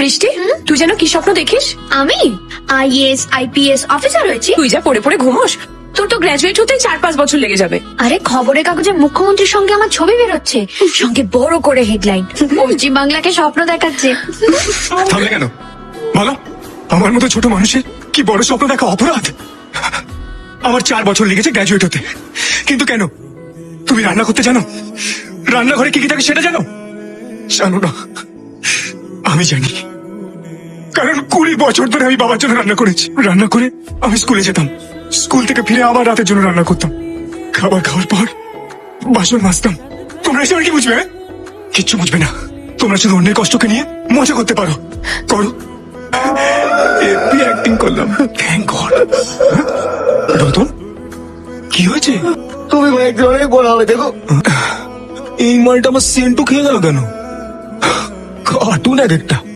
বৃষ্টি, তুই যেন কি স্বপ্ন দেখিস? আমি IAS IPS অফিসার হয়েছি। তুই যা পড়ে পড়ে ঘুমোস, তোর তো গ্রাজুয়েট হতে 4-5 বছর লেগে যাবে। আরে খবরের কাগজে মুখ্যমন্ত্রীর সঙ্গে আমার ছবি বেরোচ্ছে, সঙ্গে বড় করে হেডলাইন, পশ্চিম বাংলাকে স্বপ্ন দেখাচ্ছে। থামলে কেন বলো? আমার মতো ছোট মানুষের কি বড় স্বপ্ন দেখা অপরাধ? আমার 4 বছর লেগেছে গ্র্যাজুয়েট হতে, কিন্তু কেন? তুমি রান্না করতে জানো? রান্নাঘরে কি কি থাকে সেটা জানো? জানো না? আমি জানি, কারণ 20 বছর ধরে আমি বাবার জন্য রান্না করেছি। রান্না করে আমি স্কুলে যেতাম, স্কুল থেকে ফিরে আবার রাতের জন্য রান্না করতাম, খাবার খাওয়ার পর বাসন মাজতাম। তোমরা এসে আর কি বুঝবে? কিচ্ছু বুঝবে না। তোমরা শুধু অন্যের কষ্টকে নিয়ে মজা করতে পারো, করো। অ্যাক্টিং করলাম, থ্যাংক গড। রতন, কি হয়েছে? তুমি একদিন অনেক বড় হবে দেখো। এই মালটা আমার সেন্টু খেয়ে গেল কেন? কার্টুন এক একটা।